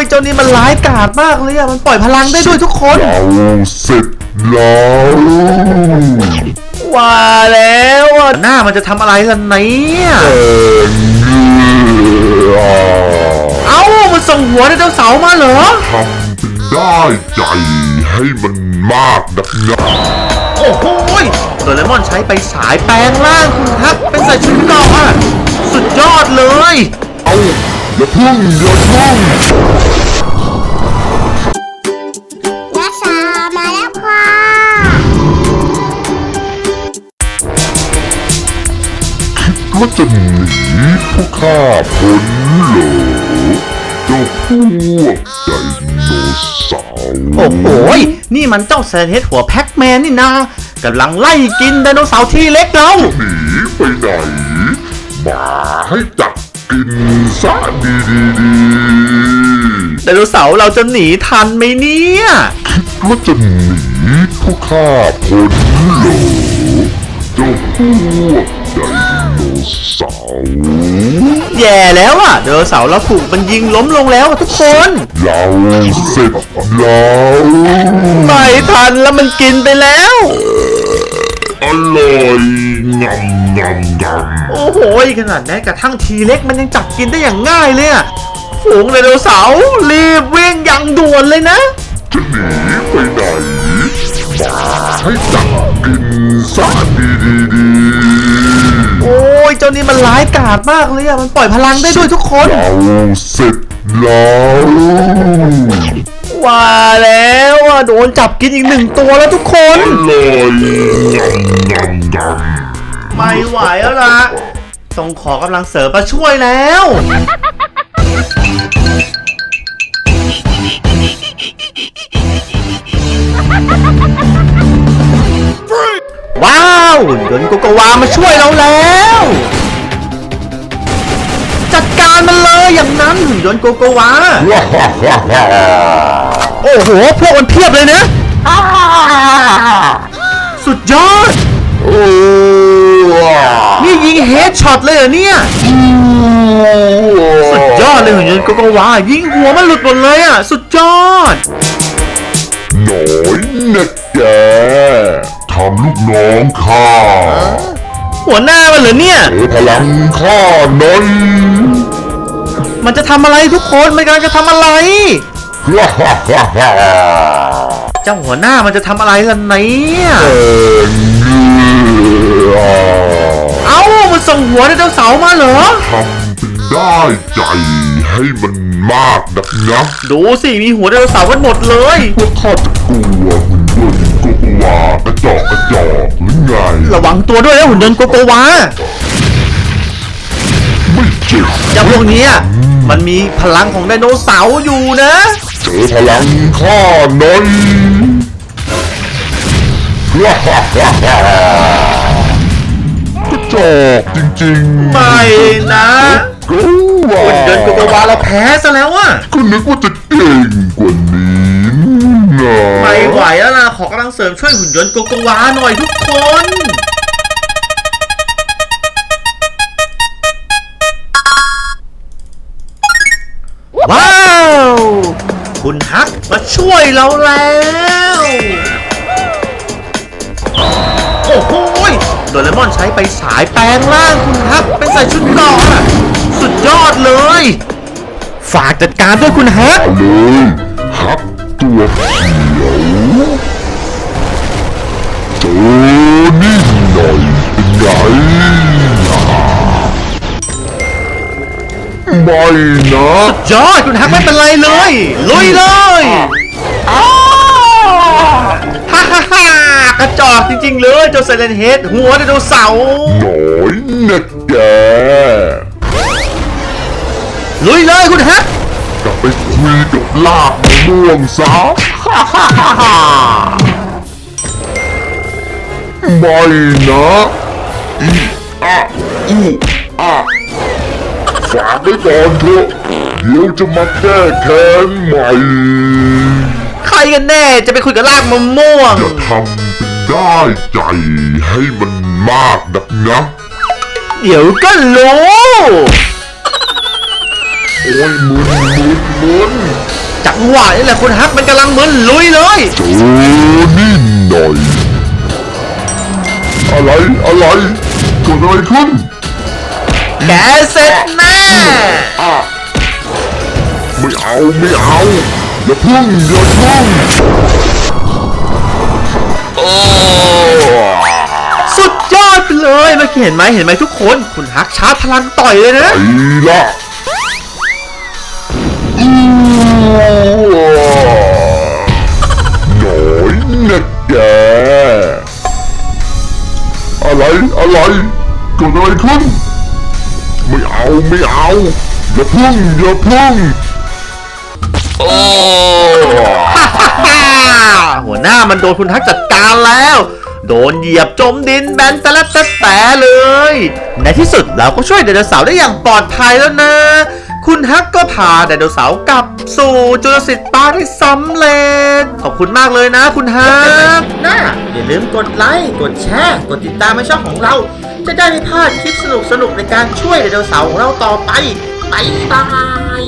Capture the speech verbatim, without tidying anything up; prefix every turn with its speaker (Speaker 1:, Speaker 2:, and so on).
Speaker 1: เจ้านี่มันร้ายกาจมากเลยอะมันปล่อยพลังได้ด้วยทุกคน
Speaker 2: เราเสร็จแล้ว
Speaker 1: ว่าแล้วหน้ามันจะทำอะไรกันเนี่ยเอ้ามันส่งหัวไดโนเสาร์มาเหรอ
Speaker 2: ทำเป็นได้ใจให้มันมากนักนะ
Speaker 1: โอ้โหโดเรมอนใช้ไปสายแปลงร่างคุณครับเป็นใส่ชุดเกราะอะสุดยอดเลย
Speaker 2: เอาอย่าพึ่งอย่าพึ่ง
Speaker 3: นักษามาแล้วค่ะ
Speaker 2: คิดว่าจะหนีพวกข้าพ้นเหรอเจ้าพวกไดโนเสาร์
Speaker 1: โอ้โหนี่มันเจ้าแซนเฮดหัวแพ็กแมนนี่นากำลังไล่กินไดโนเสาร์ที่เล็กเรา
Speaker 2: หนีไปไหนมาให้จับกินซะดีดีดี
Speaker 1: ไดโนเสาร์เราจะหนีทันไหมเนี่ย
Speaker 2: คิดว่าจะหนีพวกข้าพ้นเหรอเจ้าพวกไดโนเสาร์
Speaker 1: แย่แล้วอ่ะไดโนเสาร์เราถูกมันยิงล้มลงแล้วทุกคน
Speaker 2: เราเสร็จแล้ว
Speaker 1: ไม่ทันแล้วมันกินไปแล้ว
Speaker 2: อร่อยงำงำงำ
Speaker 1: โอ้โหขนาดแม้กระทั่งทีเล็กมันยังจับกินได้อย่างง่ายเลยอะฝูงไดโนเสาร์รีบวิ่งอย่างด่วนเลยนะ
Speaker 2: จะหนีไปไหนมาให้จับกินซะดีดีดี
Speaker 1: โอ้ยเจ้านี่มันร้ายกาจมากเลยอะมันปล่อยพลังได้ด้วยทุกคน
Speaker 2: เราเสร็จแล้ว
Speaker 1: ว่าแล้วอ่ะโดนจับกินอีกหนึ่งตัวแล้วทุกคน
Speaker 2: เลยงำงำงำ
Speaker 1: ไม่ไหวแล้วล่ะต้องขอกำลังเสริมมาช่วยแล้วว้าวหุ่นยนต์โกโกวามาช่วยเราแล้วจัดการมันเลยอย่างนั้นหุ่นยนต์โกโกวาโอ้โหพวกมันเพียบเลยนะสุดยอดนี่ยิงเฮดช็อตเลยเหรอเนี่ยสุดยอดเลยหุ่นยนต์โกโกวายิงหัวมันหลุดหมดเลยอ่ะสุดยอด
Speaker 2: หน่อยนะแกทำลูกน้องข้า
Speaker 1: หัวหน้ามันเหรอเนี่ย
Speaker 2: เออพลังข้าหน่อย
Speaker 1: มันจะทำอะไรทุกคนมันกำลังจะทำอะไรเจ้าหัวหน้ามันจะทำอะไรล่ะเนี่ยเอ้ามันส่งหัวไดโนเสาร์มาเหรอ
Speaker 2: ทำเป็นได้ใจให้มันมากนักนะ
Speaker 1: ดูสิมีหัวไดโนเสาร์กันหมดเลย
Speaker 2: พวกข้าจะกลัวหุ่นยนต์โกโกวากระจอกกระจอกหรือไง
Speaker 1: ระวังตัวด้วยนะหุ่นยนต์โกโกวา
Speaker 2: ไม่เจ็บ
Speaker 1: เจ้าพวกนี้มันมีพลังของไดโนเสาร์อยู่นะ
Speaker 2: เจอพลังข้าหน่อยกระจอกจริงๆ
Speaker 1: ไม่นะหุ่นยนต์โกโกวาเราแพ้ซะแล้วอ่ะ
Speaker 2: ก็นึกว่าจะเก่งกว่านี้นะ
Speaker 1: ไม่ไหวแล้วนะขอกำลังเสริมช่วยหุ่นยนต์โกโกวาหน่อยทุกคนว้าวคุณฮักมาช่วยเราแล้วโอ้โหโดเรมอนใช้ไปสายแปลงร่างคุณฮักเป็นใส่ชุดเกราะอะสุดยอดเลยฝากจัดการด้วยคุณฮัก
Speaker 2: เลยฮักตัวเขียวเจอนี่หน่อยเป็นไงไม่นะ
Speaker 1: สุดยอดคุณฮักไม่เป็นไรเลยลุยเลยฮ่าฮ่าฮ่ากระจอกจริงๆเลยเจ้าไซเลนเฮดหัวไดโนเสาร์
Speaker 2: หน่อยนะแก
Speaker 1: ลุยเลยคุณฮัก
Speaker 2: กลับไปคุยกับลาบม่วงซะฮ่าฮ่าฮ่าไม่นะอีอะอีอะฝากไว้ก่อนเถอะเดี๋ยวจะมาแก้แค้นใหม่
Speaker 1: ใครกันแน่จะไปคุยกับลากมะม่วง
Speaker 2: จะทำเป็นได้ใจให้มันมากนักนะ
Speaker 1: เดี๋ยวก็รู้
Speaker 2: โอ้ยมุนมุนมุน
Speaker 1: หวะนี่แหละคุณฮักมันกำลังเหมือนลุยเลย
Speaker 2: เจอนี่หน่อย อะไรอะไรเกิดอะไรขึ้น
Speaker 1: แกเสร็จแน่
Speaker 2: อ่ะไม่เอาไม่เอาอย่าพึ่งอย่าพึ่งโอ้
Speaker 1: สุดยอดไปเลยเมื่อกี้เห็นไหมเห็นไหมทุกคนคุณฮักชาร์จพลังต่อยเลยนะ
Speaker 2: ไปละอือหน่อยนะแกอะไรอะไรเกิดอะไรขึ้นไม่เอาไม่เอาอย่าพึ่งอย่าพึ่งโอ้
Speaker 1: หัวหน้ามันโดนคุณฮักจัดการแล้ว โดนเหยียบจมดินแบนแต่ละแต่แต่เลย ในที่สุดเราก็ช่วยไดโนเสาร์ได้อย่างปลอดภัยแล้วนะ คุณฮักก็พาไดโนเสาร์กลับสู่จุลศิษย์ปาร์คได้สำเร็จ ขอบคุณมากเลยนะคุณฮัก
Speaker 4: นะอย่าลืมกดไลค์ กดแชร์ กดติดตามให้ช่องของเรา จะได้ไม่พลาดคลิปสนุกๆในการช่วยไดโนเสาร์ของเราต่อไป บ๊ายบาย